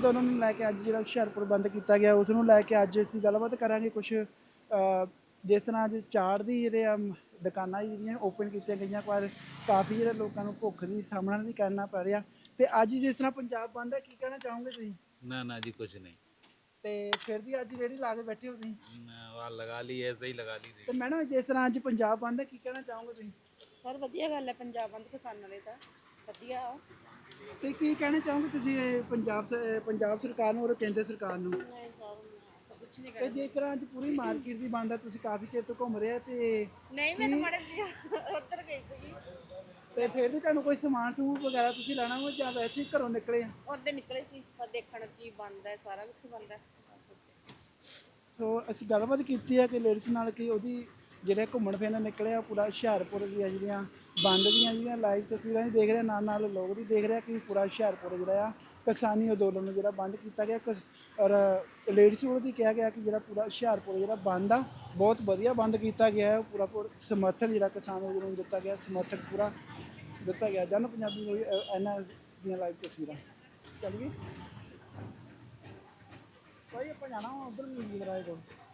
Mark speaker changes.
Speaker 1: ਅੰਦੋਲਨ ਨੂੰ ਲੈ ਕੇ ਅੱਜ ਜਿਹੜਾ ਹੁਸ਼ਿਆਰਪੁਰ ਬੰਦ ਕੀਤਾ ਗਿਆ ਉਸ ਨੂੰ ਲੈ ਕੇ ਅੱਜ ਅਸੀਂ ਗੱਲਬਾਤ ਕਰਾਂਗੇ ਕੁਛ ਜਿਸ ਤਰ੍ਹਾਂ ਅੱਜ ਚਾੜ ਦੀ ਜਿਹੜੇ ਦੁਕਾਨਾਂ ਜਿਹੜੀਆਂ ਓਪਨ ਕੀਤੀਆਂ ਗਈਆਂ ਪਰ ਕਾਫੀ ਜਿਹੜੇ ਲੋਕਾਂ ਨੂੰ ਭੁੱਖ ਦੀ ਸਾਹਮਣਾ ਵੀ ਕਰਨਾ ਪੈ ਰਿਹਾ ਤੇ ਅੱਜ ਜਿਸ ਤਰ੍ਹਾਂ ਪੰਜਾਬ ਬੰਦ ਹੈ ਕੀ ਕਹਿਣਾ ਚਾਹੋਗੇ ਤੁਸੀਂ?
Speaker 2: ना जी कुछ नहीं।
Speaker 1: ਤੇ ਫਿਰ ਵੀ ਅੱਜ ਰੇਹੜੀ ਲਾ ਕੇ ਬੈਠੇ ਹੋ ਤੁਸੀਂ
Speaker 2: वहाँ लगा ली, ऐसे ही लगा ली
Speaker 1: ਤੇ
Speaker 2: थी।
Speaker 1: ਮੈਡਮ ਜਿਸ ਤਰ੍ਹਾਂ ਅੱਜ ਪੰਜਾਬ ਬੰਦ ਹੈ ਕੀ ਕਹਿਣਾ ਚਾਹੋਗੇ ਤੁਸੀਂ?
Speaker 3: ਸਰ ਵਧੀਆ ਗੱਲ ਹੈ ਪੰਜਾਬ ਬੰਦ ਕਿਸਾਨਾਂ ਲਈ ਤਾਂ ਵਧੀਆ ਆ।
Speaker 1: ਤੇ ਕੀ ਕਹਿਣਾ ਚਾਹੋਗੇ ਤੁਸੀਂ ਇਹ ਪੰਜਾਬ ਸਰਕਾਰ ਨੂੰ ਔਰ ਕੇਂਦਰ ਸਰਕਾਰ ਨੂੰ?
Speaker 3: ਨਹੀਂ ਸਰ ਕੁਝ ਨਹੀਂ
Speaker 1: ਤੇ ਜਿਸ ਤਰ੍ਹਾਂ ਅੱਜ ਪੂਰੀ ਮਾਰਕੀਟ ਦੀ ਬੰਦ ਹੈ ਤੁਸੀਂ ਕਾਫੀ ਚਿਰ ਤੋਂ ਘੁੰਮ ਰਹੇ ਆ ਤੇ
Speaker 3: ਨਹੀਂ ਮੈਂ ਤਾਂ ਮੜੇ ਲਿਆ ਉੱਧਰ ਗਈ ਸੀਗੀ
Speaker 1: ਤੇ ਫਿਰ ਵੀ ਤੁਹਾਨੂੰ ਕੋਈ ਸਮਾਨ ਸਮੂਹ ਵਗੈਰਾ ਤੁਸੀਂ ਲੈਣਾ ਹੋ ਜਾਂ ਵੈਸੇ ਹੀ ਘਰੋਂ ਨਿਕਲੇ ਆ?
Speaker 3: ਉੱਧਰ ਨਿਕਲੇ ਸੀ ਪਰ ਦੇਖਣ ਕੀ ਬੰਦ ਹੈ ਸਾਰਾ ਕੁਝ ਬੰਦ ਹੈ।
Speaker 1: ਸੋ ਅਸੀਂ ਗੱਲਬਾਤ ਕੀਤੀ ਹੈ ਕਿ ਲੇਡੀਜ਼ ਨਾਲ ਕਿ ਉਹਦੀ ਜਿਹੜੇ ਘੁੰਮਣ ਫਿਰਨ ਨਿਕਲੇ ਆ ਪੂਰਾ ਹੁਸ਼ਿਆਰਪੁਰ ਦੀਆਂ ਜਿਹੜੀਆਂ ਬੰਦ ਦੀਆਂ ਜਿਹੜੀਆਂ ਲਾਈਵ ਤਸਵੀਰਾਂ ਵੀ ਦੇਖ ਰਹੇ ਨਾਲ ਨਾਲ ਲੋਕ ਵੀ ਦੇਖ ਰਹੇ ਕਿ ਪੂਰਾ ਹੁਸ਼ਿਆਰਪੁਰ ਜਿਹੜਾ ਆ ਕਿਸਾਨੀ ਅੰਦੋਲਨ ਨੂੰ ਜਿਹੜਾ ਬੰਦ ਕੀਤਾ ਗਿਆ ਔਰ ਲੇਡੀਜ਼ ਵੱਲੋਂ ਵੀ ਕਿਹਾ ਗਿਆ ਕਿ ਜਿਹੜਾ ਪੂਰਾ ਹੁਸ਼ਿਆਰਪੁਰ ਜਿਹੜਾ ਬੰਦ ਆ ਬਹੁਤ ਵਧੀਆ ਬੰਦ ਕੀਤਾ ਗਿਆ ਹੈ ਪੂਰਾ ਸਮਰਥਨ ਜਿਹੜਾ ਕਿਸਾਨ ਅੰਦੋਲਨ ਨੂੰ ਦਿੱਤਾ ਗਿਆ ਸਮਰਥਨ ਪੂਰਾ ਦਿੱਤਾ ਗਿਆ ਜਨ ਪੰਜਾਬੀ ਨੂੰ ਇਹਨਾਂ ਦੀਆਂ ਲਾਈਵ ਤਸਵੀਰਾਂ ਚੱਲੀਏ ਭਾਈ ਆਪਾਂ ਜਾਣਾ ਉਧਰ ਮਿਊਜ਼ਿਕ ਰਾਏ ਕੋਲ